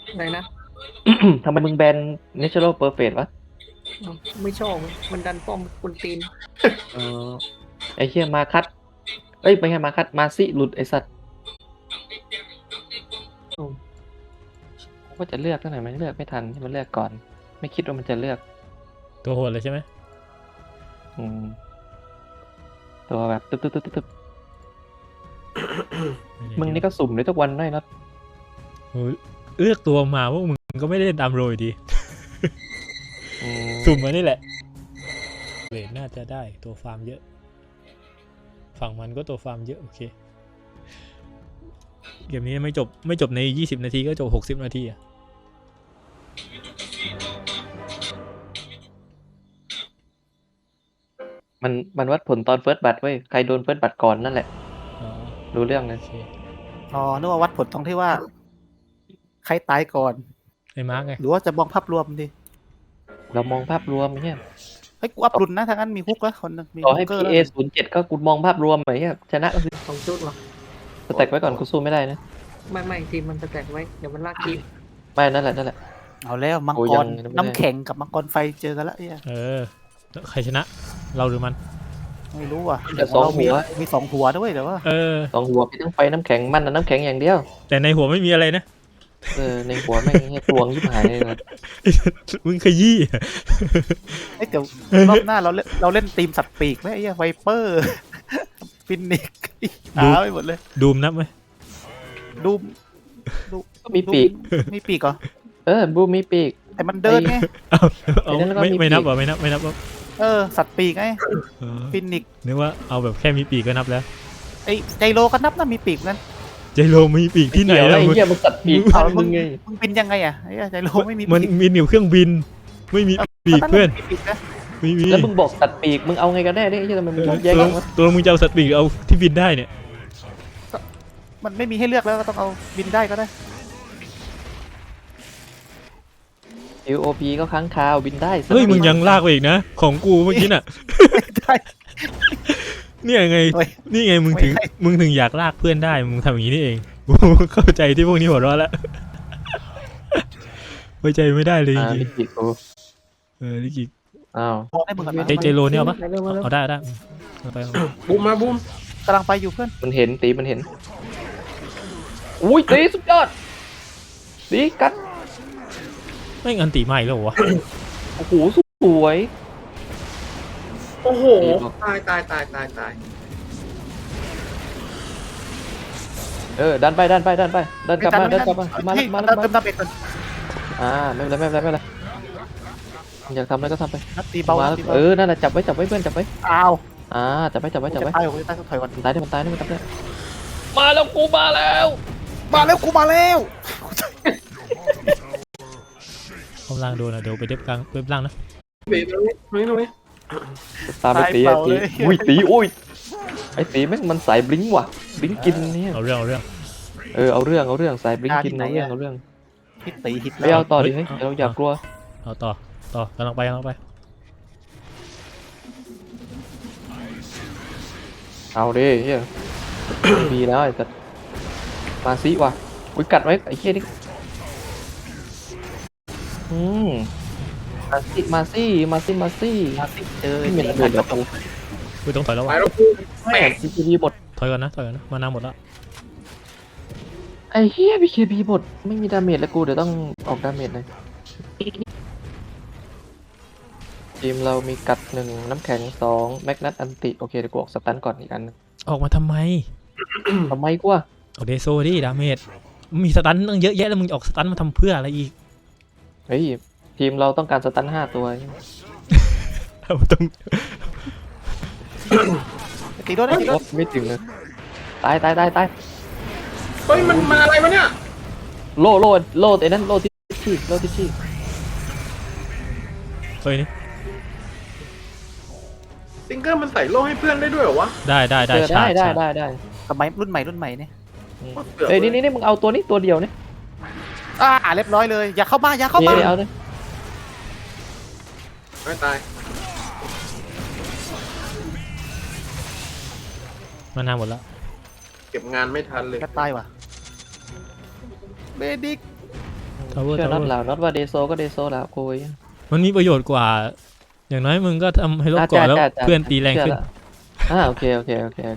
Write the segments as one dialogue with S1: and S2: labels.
S1: อะไรนะ
S2: ทำไมมึงแบน Natural Perfect วะ
S1: อ้าวไม่ชอบมันดันป้อมคนตีน
S2: เออไอ้เหี้ยมาคัดเอ้ยไม่ใช่มาคัดมาซิหลุดไอ้สัตว์กูก็จะเลือกตั้งแต่มันเลือกไม่ทันที่มันเลือกก่อน ไม่คิดว่ามันจะเลือก
S3: ตัวโหดเลยใช่ไหม
S2: อืมตัวแบบตึ๊บมึงนี่ก็สุ่มเลยทุกวันได้นะ
S3: โอ้ยเลือกตัวมาว่ามึงก็ไม่ได้ดำโรยดี
S2: อืม
S3: สุ่มมานี่แหละเวทน่าจะได้ตัวฟาร์มเยอะ ฝั่งมันก็ตัวฟาร์มเยอะโอเคเกมนี้ไม่จบใน20 นาทีก็จบ60 นาทีอะ
S2: มันวัดผลตอนเฟิร์สบัตเว้ยใครโดนเฟิร์สบัตก่อนนั่นแหละ
S3: อ๋อ
S2: รู้เรื่องเลย
S3: โอเค
S4: อ๋อนึกว่าวัดผลตรงที่ว่า ใครตายก่อน
S3: ไอ้มาร์กไง
S4: หรือว่าจะมองภาพรวมดิ
S2: เรามองภาพรวมเนี่ย
S4: เฮ้ยกูอัพรุนนะทางนั้นมีฮุกแล้วคนหนึงมี
S2: ต่อ
S4: ฮุ
S2: ให้
S4: กเกอร์
S2: PA
S4: แล้ว
S2: 07ก็กูมองภาพรวมไหมเนี่ยชนะก็คือ
S1: ของจุดเหรอ
S2: สแต็กไว้ก่อนกูสู้ไม่ได้นะ
S1: ไม่ทีมมันจะแตกไว้เดี๋ยวมันลากคลิป
S2: ไม่นั่นแหละ
S4: เอาแล้วมัง
S2: โอ้
S4: ก
S2: ยั
S4: รง
S2: ไม่ได้
S4: น้ำแข็งกับมังกรไฟเจอกันแล้วเนี่ย
S3: ใครชนะเราหรือมัน
S4: ไม่รู้อ่ะ
S2: แต่สอง
S4: เรา
S2: หัว
S4: มี2 หัวด้วยแต่ว่า
S2: สองหัวมีทั้งไฟน้ำแข็งมันน้ำแข็งอย่างเดียว
S3: แต่ในหัวไม่มีอะไรนะ
S2: ในหัวแม่งตวงยิบหายเลยนะ
S3: มึงขยี้
S4: เอ้ยเดี๋ยวรอบหน้าเราเล่นทีมสัตว์ปีกไหมไอ้เหี้ยไวเปอร์ ฟินิกหาไปหมดเลย
S3: ดูมนับไหม
S4: ดู
S2: ก็มีปีก
S4: มีปีกเหรอ
S2: บูมมีปีก
S4: แต่มันเดินไง
S3: เอา
S2: ไอ้นั่นก็มีปีก
S3: ไม่นับเหรอไม่นับเหรอ
S4: สัตว์ปีกไง
S3: เออ
S4: ฟินิก
S3: นึกว่าเอาแบบแค่มีปีกก็นับแล้ว
S4: ไอ้ไจโรก็นับนะมีปีกนั้น
S3: ใจโลมีปีกที่ไหน
S2: เกี่ยวอะไร
S3: แล้ว
S2: เหี้ยมันตัดปีก
S4: เอา
S2: พัน
S4: มึ
S2: มึ
S4: ง
S2: งไง
S4: มึงบินยังไงอ่ะไอ้เหี้ยไจโรไม่มี
S3: มัน
S4: ปีก
S3: มีหนิวเครื่องบิน ไม่มีปีกเพื่อน
S4: มีปีกนะ
S3: ไม่มี
S2: แล้วมึงบอกตัดปีกมึงเอาไงกันแน่เนี่ยไอ้เหี้ยทำไมมึงแยก
S3: ตัว
S2: กันวะ
S3: ตัวมึงจะเอาสัตว์ปีกหรือเอาที่บินได้เนี่ย
S4: มันไม่มีให้เลือกแล้วก็ต้องเอาบินได้ก็ได้
S2: UOP ก็ค้างคาวบินได้
S3: เฮ้ยมึงยังลากไปอีกนะ ของกูเมื่อกี้น่ะ
S4: ได้
S3: เนี่ยไง
S4: เฮ้ย
S3: นี่ไงมึงถึง
S4: ไม่ให้
S3: มึงถึงอยากลากเพื่อนได้มึงทำอย่างนี้นี่เอง กูเข้าใจที่พวกนี้หัวเราะแล้วไว้ใจไม่ได้เลยจริง
S2: ลิกิกู
S3: ๆลิกิ
S2: อ้าว
S4: พอได้มึงก่อนนะ
S3: เจโรเนี่ยเอาปะ
S1: เร็วมาเร็ว
S3: เอาได้เอาไป
S1: บูมมาบูม
S4: กำลังไปอยู่เพื่อน
S2: มันเห็นตีมันเห็นอุ้ยตีสุดยอดตีกัด
S3: ไม่งันตีใหม่แล้ววะ
S2: โอ้โหสวย
S1: โอ้โห
S2: ดีบอก
S1: ตาย
S2: ดันไปดันกลับมาดันกลับมามา
S4: ให้
S2: มา
S4: เติมดาเมจก่อน
S2: ไม่เป็นไรอยากทำอะไรก็ทำไป
S4: นัดตีเบา
S2: มา
S4: นัดตีเบา
S2: นั่นแหละจับไว้เพื่อนจับไว้
S4: อ้าว
S2: จับไว้
S4: จะตายผมจะตายต้องถอยก่อน
S2: มันตายได้มันจับได้มาแล้วกูมาแล้ว
S4: มาแล้วกูมาแล้ว
S3: กำลังโดนอ่ะเดี๋ยวไปเด็บกลางเว็บล่างนะ
S1: เบรตรงนี้
S2: ตามไปตีอุ้ยตีไอ้ตีแม่งมันสายบลิงว่ะบลิงกินเนี่ย
S3: เอาเรื่อง
S2: เอาเรื่องสายบลิงกินเอาเรื่อง
S4: ฮิตตีฮิต
S2: ไปเอาต่อดิเฮ้ยเราอยากกลัว
S3: เอาต่อกำลังไป
S2: เอาดิเฮียมีแล้วไอ้สัตว์มาซิว่ะอุ้ยกัดไว้ไอ้เฮียนี่มาซิ
S4: มาสิเจอ
S2: ไม่เหมือนเดี๋ยวกู
S3: กูต้องถอยแล้ว
S1: ไป
S3: วะ
S1: แล้วกู
S2: แม่พีเคบีหมด
S3: ถอยก่อนนะมานาหมดแล้ว
S2: ไอ้เฮียพีเคบีหมดไม่มีดาเมจแล้วกูเดี๋ยวต้องออกดาเมจเลยทีมเรามีกัด1น้ำแข็ง2แมกนัตอันติโอเคเดี๋ยวกูออกสตันก่อนอีกอัน
S3: ออกมาทำไม
S2: ทำไมกูอะ
S3: เอาเดโซดิดาเมจมีสตันตั้งเยอะแยะแล้วมึงออกสตันมาทำเพื่ออะไรอีก
S2: เฮ้ยทีมเราต้องการสตัน5 ตัว
S3: ต้อง
S4: ตีโดนได้ตีโดน
S2: ไม่ถึงเลยตาย
S1: เฮ้ยมันอะไรวะเนี่ย
S2: โลไอ้นั่นโลทิชชี่
S3: เฮ้ยนี่
S1: ซิงเกิลมันใส่โล่ให้เพื่อนได้ด้วยเหรอวะ
S3: ได้ชาร์จ
S2: ได้
S4: สมัยรุ่นใหม่เนี่ย
S2: เอ้ยนี่มึงเอาตัวนี้ตัวเดียวนี่
S4: เรียบร้อยเลยอย่าเข้ามา
S2: เอาเลย
S1: ไม่ตาย
S3: มานาหมดแล้ว
S1: เก็บงานไม่ทันเลย
S4: กระตายว่ะเบดิก
S3: ทาวเวอร์
S2: เชื่อ
S3: ทาว
S2: น็อต
S3: เวอร์
S2: แล้วน็อตว่าเดโซก็เดโซแล้วกูย
S3: มันมีประโยชน์กว่า อย่างน้อยมึงก็ทำให้ลดเกาะแล้วเพื่อนตีแรงขึ้น
S2: โอเคโอเค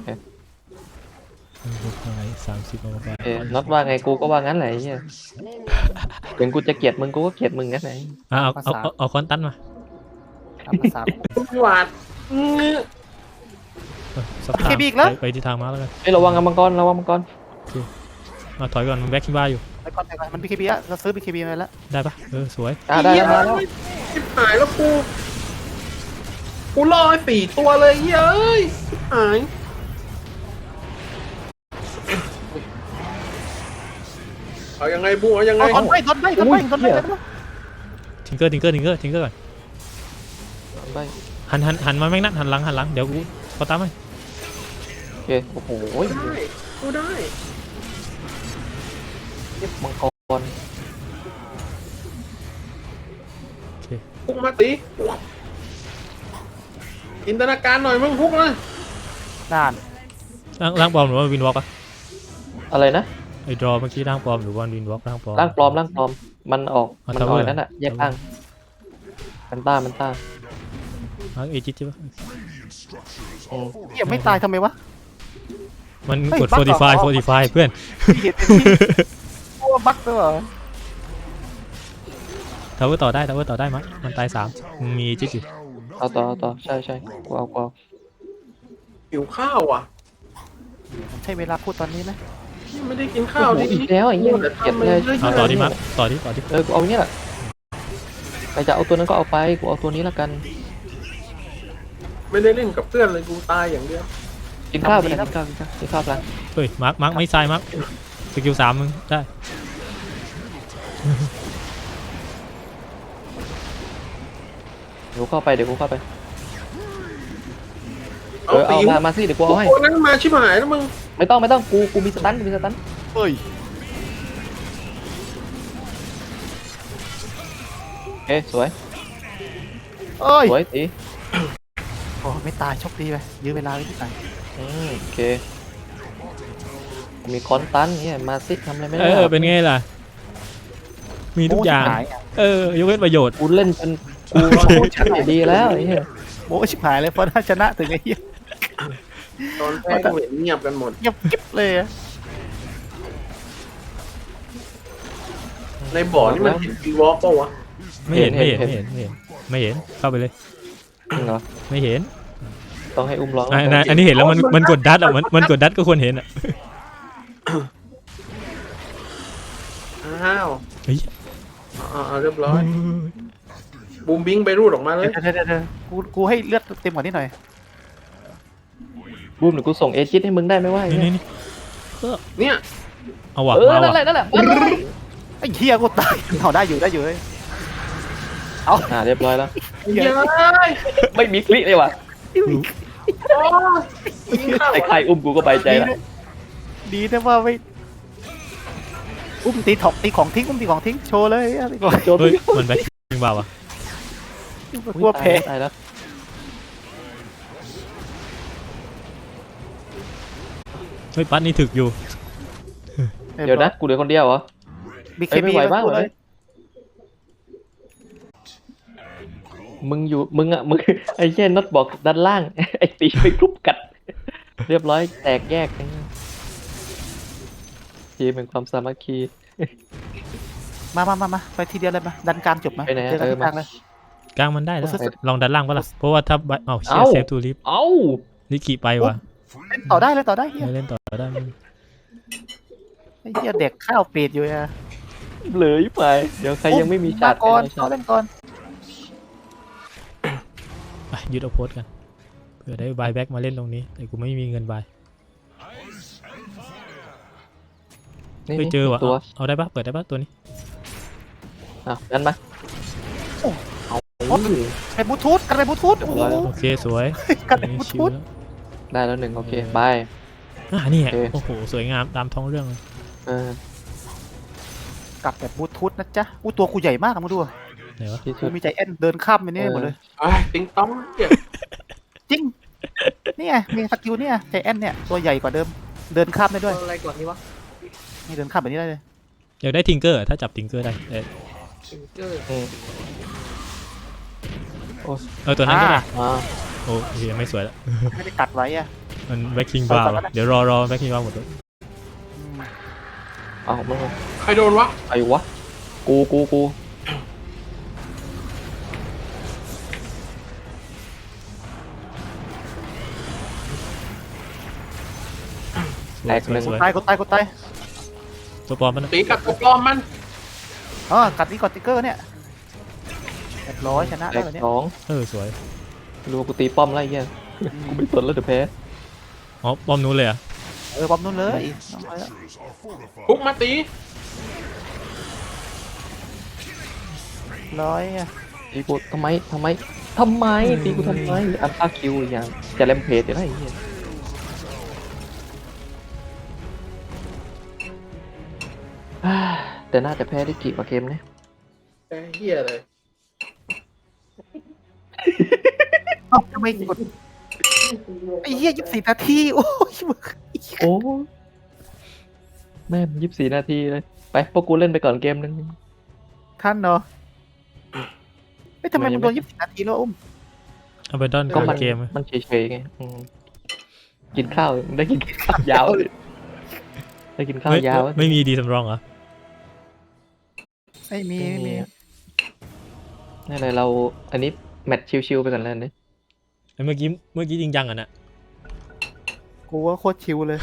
S3: 30เอาไป
S2: น็อตว่าไงกูก็ว่างั้นแหละไอ้เหี้ยถึงกูจะเกลียดมึงกูก็เกลียดมึงงั้นแหละ
S3: เอาคอนตันมา
S4: ตามภาษา
S1: หวาด
S3: สับทาง
S4: เคบีอีกแล้ว
S3: ไปที่ทางมาแล้วกัน
S2: เฮ้ยระวังมังกรระวังมังกร
S3: มาถอยก่อนมันแบ็คคิบ้าอยู่
S4: ไปก่อนมัน BKB อะเราซื้อ BKB มาแล้ว
S3: ได้ปะสวย
S2: ได้แล้วมาแล้ว
S1: ชิบหายแล้วกูรอไอ้4 ตัวเลยเฮ้ยชิบหายเอายังไงบูเอายังไง
S4: เอาทนไป
S3: ทิงเกอร์ก่อน
S2: ไป
S3: หันมาแม่งนัดหันหลังเดี๋ยวกูขอตามให้
S2: โอเคโอ้โห
S1: ได้กูได้
S2: มังกร
S1: พุกมาตีจินตนาการหน่อยมึงพุกนะ
S4: ด่าน
S3: ร่างปลอมหรือว่าวินวอล์กอะ
S2: อะไรนะ
S3: ไอ้ดรอเมื่อกี้ร่างปลอมหรือว่าวินวอล์กร่างปลอม
S2: ร่างปลอมมันออกนั่นแหะแยกร่างมันต้า
S3: ร่างเอจิตใช่ปะ
S4: เหี้ยไม่ตายทำไมวะ
S3: มัน
S4: เฮ้ย
S3: กด
S4: บั๊กเหรอ
S3: 45เพื่อน
S4: เห็นเป็นที่โอ้บั๊กด้วยเหรอ
S3: ทาวเวอร์ต่อได้มั้ยมันตาย3มึงมีเอจิตอยู่
S2: เอาต่อใช่กูเอา
S1: หิวข้าวอ่ะ
S4: ใช่เวลาพูดตอนนี้ไหม
S1: ไม่ได้กินข้าวดิ
S2: อีกแล้วไอ้เหี้ยเกลียดเลย
S3: เอาต่อดิมั้ยต่อดิ
S2: กูเอาเนี้ยแหละใครจะเอาตัวนั้นก็เอาไปกูเอาตัวนี้ละกัน
S1: ไม่ได้เล่นกับเพื่อนเลยกูตายอย่างเดียว
S2: กินข้าวไปนะกินข้าวกัน
S3: เฮ้ยมาร์คไม่ใช่มาร์คสกิล3มึงได้
S2: เดี๋ยวกูเข้าไปเอามาสิเดี๋ยวกูเอาให้
S1: ตัวนั้นมาชิบหายแล้วมึง
S2: ไม่ต้องกูมีสตัน
S4: เฮ้ย
S2: โอเคสวย
S4: เอ้ย
S2: สวยตี
S4: โอ้ไม่ตายโชคดีไปยื้อเวลาไว้ที่ไหน
S2: โอเคมีคอนตันเนี่ยมาสิทำอะไรไม่ได้
S3: เป็นไงล่ะมีทุกอย่างยกเว้นประโยชน์
S2: กูเล่นจนกูชนะดีแล้วไอ้เหี้ย
S4: โอ้ชิบหายเลยเพราะถ้าชนะถึงไอ้เหี้ย
S1: ตอนแพ้กูเห็นเงียบกันหมด
S4: เงียบกิ๊บเลยอะ
S1: ในบ่อนี่มันเห็นวีวอล์กป่าวะ
S3: ไม่เห็นเข้าไปเลย
S2: จริงเหรอ
S3: ไม่เห็น
S2: ต้องให้อุ้มร้อง
S3: อันนี้เห็นแล้วมันกดดัดอ่ะมันกดดัดก็ควรเห็นอ่ะ
S1: อ้าว
S3: เฮ้ย
S1: เรียบร้อยบูมบิงไปรูดออกมาเลย
S4: เดี๋ยวกูให้เลือดเต็มกว่านี้หน่อย
S2: บูมหรือกูส่งเอจิตให้มึงได้ไหมวะ
S3: นี่
S1: เนี่ย
S3: เอาว่ะ
S2: นั่นแหละ
S4: ไอ้เหี้ยกูตายเอาได้อยู่เลย
S2: เรียบร้อยแล้ว
S1: เย้ย
S2: ไม่มีคลิเลยว่ะ
S1: โอ้ยิงเข้า
S2: ไอ้ใครอุ้มกูก็ไปใจละ
S4: ดีนะว่าไม่อุ้มตีของทิ้งโชว์เลยอะไรก่อน
S2: โจม
S3: เฮ้ยมันแบ็คยิงเบาอ่ะ
S4: กลัวแพ้
S2: ตายแล้ว
S3: เฮ้ยปัดนี่ถึกอยู่
S2: เดี๋ยวนะกูเหลือคนเดียวเหรอ
S4: บีเค
S2: ไม่
S4: บี
S2: ไหวบ้างเหรอมึงไอ้เช่นน็อตบอกด้านล่าง ไอ้ตีไปกรุ๊ปกัด เรียบร้อยแตกแยกทีมเป็นความสามัคคี
S4: มาไปทีเดียวเลยมาดันกลางจบมา
S2: ไปไหน
S4: เจอกันที่กลางเลย
S3: กลางมันได้แล้ว
S4: โอ้สุด
S3: ลองดันล่างปะล่ะเพราะว่าถ้าเชีย
S2: เอ้า
S3: เซฟทูลิฟ
S2: เอ้า
S3: ลิกิไปว่ะ
S4: เล่นต่อได้เฮีย
S3: ไม่เล่นต่อได้มึง
S4: ไอ้เฮียเด็กข้าวเปียดอยู่อะ
S2: เหลืออยู่ไปเดี๋ยวใครยังไม่มีชา
S4: มา
S2: ติ
S4: ก่อน
S2: ให้
S4: เขาเล่นก่อน
S3: ไปยึดเอาโพสกันเผื่อได้บายแบ็กมาเล่นตรงนี้แต่กูไม่มีเงินบาย
S2: นี่
S3: ไปเจอว่ะ
S2: ตัว
S3: เอาได้ปะเปิดได้ปะตัวนี้
S2: งั้นมาเอา
S4: ไปบลูทูธกันไปบลูทูธโอ้โห
S3: โอเคสวย
S4: กันไป
S3: อัน
S4: บ
S3: นี้
S4: ลู
S3: ชิ
S4: ทู
S3: ว
S4: ธ
S3: แล้ว
S2: ได้แล้วหนึ่งโอเคบาย
S3: นี่ไง
S2: โอเค
S3: โอ้โหสวยงามตามท้องเรื่องเลย
S4: กลับแบบบลูทูธนะจ๊ะอู้ตัวกูใหญ่มากอะมึงดูอะ
S3: ไหนวะ
S2: ที่สุ
S4: กู
S2: ด
S4: มีใจแอนเดินข้ามไปนี่หมดเลย
S1: ติงต้องเจ็บ
S4: จริงนี่ไงมีสกิลเนี่ยใจแอนเนี่ยตัวใหญ่กว่าเดิมเดินข้ามได้ด้วย
S1: อะไรก่อนนี่วะ
S4: นี่เดินข้ามแบบนี้ได้เลย
S3: อยากได้ทิงเกอร์ถ้าจับทิงเกอร์ได้ตัวนั้นก็ได้
S2: อ่า
S3: โอเคไม่สวยละ
S4: ไม่ได้ตัดไว้อะ
S3: มันแบ็คคิงบาร์เดี๋ยวรอแบ็คคิงบาร์หมดเลย
S4: อืม
S2: เอามึง
S1: ใครโดนวะ
S2: ไอ้วะกู แตกหนึ่ง
S3: สวย
S4: ตายกูตายกูตาย
S3: ตัวปลอมมันนะ
S1: ตีกับตัวปลอมมัน
S4: กัดนี่กดติ๊กเกอร์เนี่ยเรียบร้อยชนะ
S2: แต
S4: ได้
S2: ก
S4: แบบนี้
S2: สอง
S3: สวย
S2: รู้กูตีป้อมแล้วไอ้เหี้ยกูไม่สนแล้วเดี๋ยวแพ้
S3: อ๋อปลอมนู้นเลยอ่ะ
S4: บอมนู้นเลยน้องไปแล้ว
S1: พุกมาตี
S4: ร้อยอะ
S2: ตีกูทำไมตีกูทำไมอัลฟาคิวอย่างจะแลมเพจอยู่ได้ไอ้เหี้ยอ่าแต่น่าจะแพ้ได้กี่กว่าเกมเนี่ย
S1: ไอ้เหี้ยเลย
S4: ทำไมกดไอ้เหี้ย24 นาทีโอ้ยมึง
S2: โอ้แม่ง24 นาทีเลยไปพวกกูเล่นไปก่อนเกมนึง
S4: ท่านเนาะทำไมมึงโดน24 นาทีแล้วอุ้ม
S3: เอาไปดอน
S2: ก็
S3: ก่อน
S2: มัน
S3: เกม
S2: มันเฉยๆไงกินข้าวได้กินข้าวยาวเลยได้กินข้าวยาว
S3: ไม่มีดีสำรองเหรอ
S4: ไม่มีไม่มี
S2: นี่อะไรเราอันนี้แมตช์ชิวๆไปก่อนแล้วนี่
S3: เมื่อกี้จริงจังอ่ะนะ
S4: กูว่าโคตรชิวเลย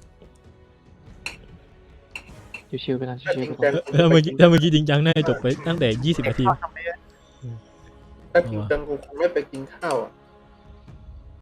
S2: ชิวๆไปก่อนชิวๆไปก่อน
S3: ถ้าเมื่อกี้จริงจังน่าจะจบไปตั้งแต่20 นาที
S4: ทำไมอะ
S1: ถ้าจริงจังกูคงไม่ไปกินข้าวอ่ะ